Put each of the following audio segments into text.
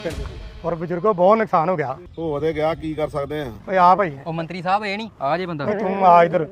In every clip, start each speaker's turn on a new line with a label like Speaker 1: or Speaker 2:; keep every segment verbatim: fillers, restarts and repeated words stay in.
Speaker 1: ਔਰ ਬਜ਼ੁਰਗੋ ਬਹੁਤ ਨੁਕਸਾਨ ਹੋ ਗਿਆ।
Speaker 2: ਹੋ ਤੇ ਗਿਆ, ਕੀ ਕਰ ਸਕਦੇ ਆ।
Speaker 1: ਓਏ ਆ ਭਾਈ,
Speaker 3: ਉਹ ਮੰਤਰੀ ਸਾਹਿਬ ਇਹ ਨਹੀਂ ਆ ਜੇ ਬੰਦਾ।
Speaker 1: ਤੂੰ ਆ ਇਧਰ।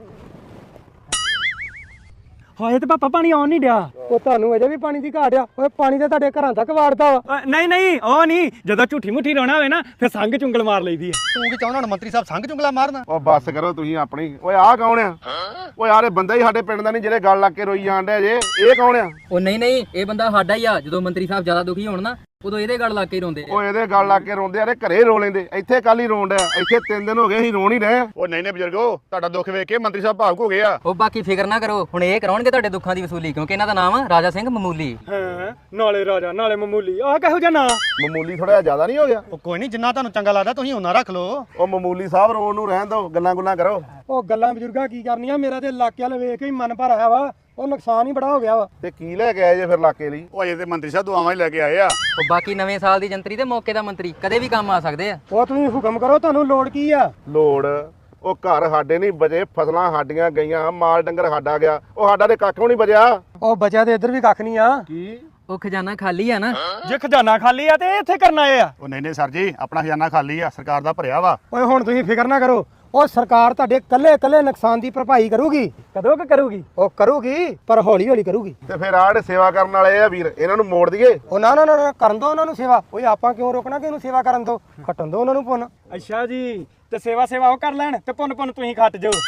Speaker 4: ਹਾਏ ਤੇ ਪਾਪਾ ਪਾਣੀ ਆਉਣ ਨਹੀਂ ਡਿਆ।
Speaker 1: ਉਹ ਤੁਹਾਨੂੰ ਅਜੇ ਵੀ ਪਾਣੀ ਦੀ ਘਾਟ ਆ। ਓਏ ਪਾਣੀ ਤਾਂ ਤੁਹਾਡੇ ਘਰਾਂ ਤੱਕ ਵਾੜਦਾ ਵਾ।
Speaker 4: ਅ, ਨਹੀਂ ਨਹੀਂ ਉਹ ਨਹੀਂ, ਜਦੋਂ ਝੂਠੀ ਮੁੱਠੀ ਰੋਣਾ ਹੋਵੇ ਨਾ ਫਿਰ ਸੰਗ ਚੁੰਗਲ ਮਾਰ ਲਈਦੀ ਹੈ।
Speaker 1: ਤੂੰ ਕੀ ਚਾਹੁੰਦਾ ਹੁਣ ਮੰਤਰੀ ਸਾਹਿਬ ਸੰਗ ਚੁੰਗਲਾ ਮਾਰਨਾ?
Speaker 2: ਉਹ ਬੱਸ ਕਰੋ ਤੁਸੀਂ ਆਪਣੀ। ਓਏ ਆਹ ਕੌਣ ਆ? ਓਏ ਯਾਰ ਇਹ ਬੰਦਾ ਹੀ ਸਾਡੇ ਪਿੰਡ ਦਾ ਨਹੀਂ ਜਿਹੜੇ ਗੱਲ ਲੱਗ ਕੇ ਰੋਈ ਜਾਣ ਡਿਆ ਜੇ। ਇਹ ਕੌਣ ਆ?
Speaker 3: ਉਹ ਨਹੀਂ ਨਹੀਂ ਇਹ ਬੰਦਾ ਸਾਡਾ ਹੀ ਆ। ਜਦੋਂ ਮੰਤਰੀ ਸਾਹਿਬ ਜ਼ਿਆਦਾ ਦੁਖੀ ਹੋਣ ਨਾ ਉਦੋਂ ਇਹਦੇ ਗੱਲ ਲਾ ਕੇ ਹੀ ਰੋਂਦੇ ਆ।
Speaker 2: ਓਏ ਇਹਦੇ ਗੱਲ ਲੱਗ ਕੇ ਰੋਂਦੇ ਆ, ਘਰੇ ਰੋ ਲੈਂਦੇ। ਇੱਥੇ ਕੱਲ ਹੀ ਰੋਣ ਡਿਆ। ਇੱਥੇ ਤਿੰਨ ਦਿਨ ਹੋ ਗਏ ਅਸੀਂ ਰੋਣ ਹੀ ਰਹੇ ਆ।
Speaker 5: ਉਹ ਨਹੀਂ ਨਹੀਂ ਬਜ਼ੁਰਗੋ, ਤੁਹਾਡਾ ਦੁੱਖ ਵੇਖ ਕੇ ਮੰਤਰੀ ਸਾਹਿਬ ਭਾਵੁਕ ਹੋ ਗਏ ਆ।
Speaker 3: ਉਹ ਬਾਕੀ ਫਿਕਰ ਨਾ ਕਰੋ, ਹੁਣ ਇਹ ਕਰਾਉਣਗੇ ਤੁਹਾਡੇ ਦੁੱਖਾਂ ਦੀ ਵਸੂਲੀ, ਕਿਉਂਕਿ ਇਹਨਾਂ ਦਾ ਨਾਮ ਆ ਰਾਜਾ ਸਿੰਘ ਮਾਮੂਲੀ।
Speaker 4: ਹਾਂ, ਨਾਲੇ ਰਾਜਾ ਨਾਲੇ ਮਾਮੂਲੀ। ਆਹ ਕਿਹੋ ਜਿਹਾ ਨਾਂ?
Speaker 2: ਮਾਮੂਲੀ ਥੋੜਾ ਜ਼ਿਆਦਾ ਨਹੀਂ ਹੋ ਗਿਆ?
Speaker 1: ਉਹ ਕੋਈ ਨਹੀਂ, ਜਿੰਨਾ ਤੁਹਾਨੂੰ ਚੰਗਾ ਲੱਗਦਾ ਤੁਸੀਂ ਉਹਨਾਂ ਰੱਖ ਲਓ।
Speaker 2: ਉਹ ਮਾਮੂਲੀ ਸਾਹਿਬ ਰੋਣ ਨੂੰ ਰਹਿਣ ਦਿਓ, ਗੱਲਾਂ ਗੁੱਲਾਂ ਕਰੋ।
Speaker 1: ਉਹ ਗੱਲਾਂ ਬਜ਼ੁਰਗਾ ਕੀ ਕਰਨੀਆਂ, ਮੇਰਾ ਤੇ ਇਲਾਕੇ ਵਾਲ ਵੇਖ ਕੇ ਹੀ ਮਨ ਭਰ ਆਇਆ ਵਾ। ਉਹ ਨੁਕਸਾਨ ਹੀ ਬੜਾ ਹੋ ਗਿਆ ਵਾ।
Speaker 2: ਤੇ ਕੀ ਲੈ ਕੇ ਆਏ ਜੇ ਫਿਰ ਇਲਾਕੇ ਲਈ?
Speaker 5: ਉਹ ਅਜੇ ਤੇ ਮੰਤਰੀ ਸਾਹਿਬ ਦੁਆਵਾਂ ਹੀ ਲੈ ਕੇ ਆਏ ਆ।
Speaker 3: ਉਹ ਬਾਕੀ ਨਵੇਂ ਸਾਲ ਦੀ ਜੰਤਰੀ ਤੇ ਮੌਕੇ ਦਾ ਮੰਤਰੀ ਕਦੇ ਵੀ ਕੰਮ ਆ ਸਕਦੇ ਆ।
Speaker 1: ਉਹ ਤੁਸੀਂ ਹੁਕਮ ਕਰੋ, ਤੁਹਾਨੂੰ ਲੋੜ ਕੀ ਆ?
Speaker 2: ਲੋੜ? ਉਹ ਘਰ ਸਾਡੇ ਨਹੀਂ ਬਚੇ, ਫਸਲਾਂ ਸਾਡੀਆਂ ਗਈਆਂ, ਮਾਲ ਡੰਗਰ ਸਾਡਾ ਗਿਆ। ਉਹ ਸਾਡਾ ਤੇ ਕੱਖ ਵੀ ਨਹੀਂ ਬਚਿਆ।
Speaker 1: ਉਹ ਬਚਿਆ ਤੇ ਇੱਧਰ ਵੀ ਕੱਖ ਨਹੀਂ ਆ।
Speaker 2: ਕੀ?
Speaker 3: ਉਹ ਖਜ਼ਾਨਾ ਖਾਲੀ ਆ ਨਾ।
Speaker 4: ਜੇ ਖਜ਼ਾਨਾ ਖਾਲੀ ਆ ਤੇ ਇੱਥੇ ਕਰਨ ਆਏ ਆ।
Speaker 5: ਉਹ ਨਹੀਂ ਨਹੀਂ ਸਰ ਜੀ, ਆਪਣਾ ਖਜ਼ਾਨਾ ਖਾਲੀ ਆ, ਸਰਕਾਰ ਦਾ ਭਰਿਆ ਵਾ।
Speaker 1: ਓਏ ਹੁਣ ਤੁਸੀਂ ਫਿਕਰ ਨਾ ਕਰੋ, ਉਹ ਸਰਕਾਰ ਤੁਹਾਡੇ ਕੱਲੇ ਕੱਲੇ ਨੁਕਸਾਨ ਦੀ ਭਰਪਾਈ ਕਰੂਗੀ।
Speaker 4: ਕਦੋਂ ਕਿ ਕਰੂਗੀ?
Speaker 1: ਉਹ ਕਰੂਗੀ, ਪਰ ਹੌਲੀ ਹੌਲੀ ਕਰੂਗੀ।
Speaker 2: ਤੇ ਫਿਰ ਆਹ ਜਿਹੜੇ ਸੇਵਾ ਕਰਨ ਵਾਲੇ ਆ ਵੀਰ, ਇਹਨਾਂ ਨੂੰ ਮੋੜ ਦਈਏ?
Speaker 1: ਉਹ ਨਾ ਨਾ ਨਾ ਨਾ, ਕਰਨ ਦੋ ਉਹਨਾਂ ਨੂੰ ਸੇਵਾ। ਓਏ ਆਪਾਂ ਕਿਉਂ ਰੋਕਣਾ ਕਿ ਇਹਨੂੰ ਸੇਵਾ ਕਰਨ ਦੋ? ਖੱਟਣ ਦੋ ਉਹਨਾਂ ਨੂੰ ਪੁੰਨ।
Speaker 4: ਅੱਛਾ ਜੀ, ਤੇ ਸੇਵਾ ਸੇਵਾ ਉਹ ਕਰ ਲੈਣ ਤੇ ਪੁੰਨ ਪੁੰਨ ਤੁਸੀਂ ਖੱਟ ਜਾਓ।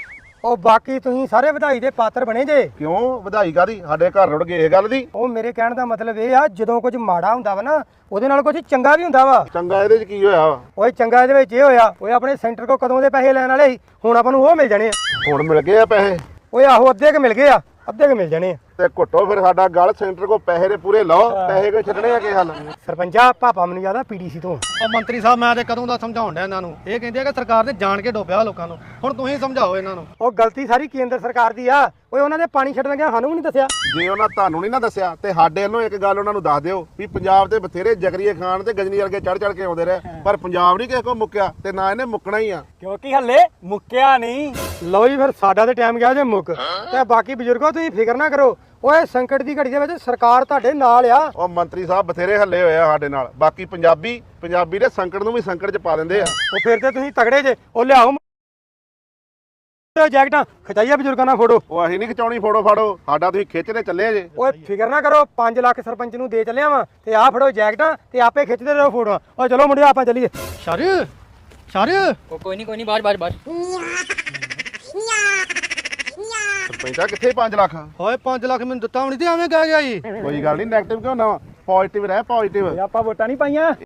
Speaker 1: ਉਹ ਬਾਕੀ ਤੁਸੀਂ ਸਾਰੇ ਵਧਾਈ ਦੇ ਪਾਤਰ ਬਣੇ ਜੇ।
Speaker 2: ਕਿਉਂ ਵਧਾਈ ਕਾਦੀ? ਸਾਡੇ ਘਰ ਰੁੜ ਗਏ ਇਹ ਗੱਲ ਦੀ।
Speaker 1: ਉਹ ਮੇਰੇ ਕਹਿਣ ਦਾ ਮਤਲਬ ਇਹ ਆ, ਜਦੋਂ ਕੁਝ ਮਾੜਾ ਹੁੰਦਾ ਵਾ ਨਾ ਉਹਦੇ ਨਾਲ ਕੁਝ ਚੰਗਾ ਵੀ ਹੁੰਦਾ ਵਾ।
Speaker 2: ਚੰਗਾ ਇਹਦੇ ਚ ਕੀ ਹੋਇਆ ਵਾ?
Speaker 1: ਓਏ ਚੰਗਾ ਇਹਦੇ ਵਿੱਚ ਇਹ ਹੋਇਆ, ਓਏ ਆਪਣੇ ਸੈਂਟਰ ਕੋ ਕਦੋਂ ਦੇ ਪੈਸੇ ਲੈਣ ਵਾਲੇ ਸੀ, ਹੁਣ ਆਪਾਂ ਨੂੰ ਉਹ ਮਿਲ ਜਾਣੇ ਆ।
Speaker 2: ਹੁਣ ਮਿਲ ਗਏ ਆ ਪੈਸੇ?
Speaker 1: ਓਏ ਆਹੋ, ਅੱਧੇ ਕ ਮਿਲ ਗਏ ਆ, ਅੱਧੇ ਕ ਮਿਲ ਜਾਣੇ ਆ।
Speaker 2: ਤੇ ਘੁੱਟੋ ਫਿਰ ਸਾਡਾ ਗੱਲ, ਸੈਂਟਰ ਕੋ ਪੈਸੇ ਦੇ ਪੂਰੇ ਲਓ। ਪੈਸੇ ਕੋ ਛੱਡਣੇ ਆ ਕੀ ਹੱਲ?
Speaker 1: ਸਰਪੰਚਾ ਪਾਪਾ ਮੈਨੂੰ ਜ਼ਿਆਦਾ ਪੀਡੀਸੀ ਤੋਂ।
Speaker 6: ਉਹ ਮੰਤਰੀ ਸਾਹਿਬ ਮੈਂ ਤੇ ਕਦੋਂ ਦਾ ਸਮਝਾਉਣ ਡਿਆ ਇਹਨਾਂ ਨੂੰ। ਇਹ ਕਹਿੰਦੇ ਆ ਕਿ ਸਰਕਾਰ ਨੇ ਜਾਣ ਕੇ ਡੋਬਿਆ ਲੋਕਾਂ ਨੂੰ। ਹੁਣ ਤੁਸੀਂ ਸਮਝਾਓ ਇਹਨਾਂ ਨੂੰ।
Speaker 1: ਉਹ ਗਲਤੀ ਸਾਰੀ ਕੇਂਦਰ ਸਰਕਾਰ ਦੀ ਆ। ਓਏ ਉਹਨਾਂ ਦੇ ਪਾਣੀ ਛੱਡਣ ਗਿਆ ਸਾਨੂੰ ਵੀ ਨਹੀਂ ਦੱਸਿਆ।
Speaker 2: ਜੇ ਉਹਨਾਂ ਤੁਹਾਨੂੰ ਨਹੀਂ ਨਾ ਦੱਸਿਆ ਤੇ ਸਾਡੇ ਵੱਲੋਂ ਇੱਕ ਗੱਲ ਉਹਨਾਂ ਨੂੰ ਦੱਸ ਦਿਓ ਵੀ ਪੰਜਾਬ ਤੇ ਬਥੇਰੇ ਜਗਰੀਏ ਖਾਨ ਤੇ ਗਜਨੀ ਵਰਗੇ ਚੜ ਚੜ ਕੇ ਆਉਂਦੇ ਰਹੇ, ਪਰ ਪੰਜਾਬ ਨਹੀਂ ਕਿਸੇ ਕੋ ਮੁੱਕਿਆ ਤੇ ਨਾ ਇਹਨੇ ਮੁੱਕਣਾ ਹੀ ਆ।
Speaker 4: ਕਿਉਂਕਿ ਹੱਲੇ ਮੁੱਕਿਆ ਨਹੀਂ।
Speaker 1: ਲਓ ਜੀ, ਫਿਰ ਸਾਡਾ ਤੇ ਟਾਈਮ ਗਿਆ ਜੇ ਮੁੱਕ। ਤੇ ਬਾਕੀ ਬਜ਼ੁਰਗੋ ਤੁਸੀਂ ਫਿਕਰ ਨਾ ਕਰੋ, ਓਏ ਸੰਕਟ ਦੀ ਘੜੀ ਦੇ ਵਿੱਚ ਸਰਕਾਰ ਤੁਹਾਡੇ ਨਾਲ ਆ।
Speaker 2: ਉਹ ਮੰਤਰੀ ਸਾਹਿਬ ਬਥੇਰੇ ਹੱਲੇ ਹੋਏ ਆ ਸਾਡੇ ਨਾਲ। ਬਾਕੀ ਪੰਜਾਬੀ ਪੰਜਾਬੀ ਦੇ ਸੰਕਟ ਨੂੰ ਵੀ ਸੰਕਟ ਚ ਪਾ ਦਿੰਦੇ ਆ।
Speaker 1: ਉਹ ਫਿਰ ਤੇ ਤੁਸੀਂ ਤਗੜੇ ਜੇ। ਉਹ ਲਿਆਓ ਜੈਕਟਾਂ, ਖਚਾਈਆ ਬਜ਼ੁਰਗਾਂ ਨਾਲ ਫੋਟੋ।
Speaker 2: ਉਹ ਅਸੀਂ ਨਹੀਂ ਖਿਚਾਉਣੀ ਫੋਟੋ ਫਾੜੋ, ਸਾਡਾ ਤੁਸੀਂ ਖਿੱਚਦੇ ਚੱਲੇ ਜੇ।
Speaker 1: ਓਏ ਫਿਕਰ ਨਾ ਕਰੋ, ਪੰਜ ਲੱਖ ਸਰਪੰਚ ਨੂੰ ਦੇ ਚੱਲਿਆ ਵਾਂ ਤੇ ਆਹ ਫੜੋ ਜੈਕਟਾਂ ਤੇ ਆਪੇ ਖਿੱਚਦੇ ਰਹੋ ਫੋਟੋਆਂ। ਓਏ ਚਲੋ ਮੁੰਡਿਓ ਆਪਾਂ ਚੱਲੀਏ।
Speaker 6: ਸ਼ਰ ਸ਼ਰ
Speaker 3: ਉਹ ਕੋਈ ਨਹੀਂ ਕੋਈ ਨਹੀਂ, ਬਾਜ ਬਾਜ ਬਾਜ।
Speaker 2: ਸਰਪੰਚਾ ਕਿੱਥੇ ਪੰਜ ਲੱਖ?
Speaker 6: ਹੋਏ ਪੰਜ ਲੱਖ ਮੈਨੂੰ ਦਿੱਤਾ ਹੁਣੀ ਤੇ ਐਵੇਂ ਕਹਿ ਗਿਆ ਜੀ।
Speaker 2: ਕੋਈ ਗੱਲ ਨਹੀਂ, ਨੈਗੇਟਿਵ ਕਿਉਂ ਨਾ, ਪੋਜ਼ਿਟਿਵ ਰਹਿ, ਪੋਜ਼ਿਟਿਵ।
Speaker 4: ਆਪਾਂ ਵੋਟਾਂ ਨਹੀਂ ਪਾਈਆਂ।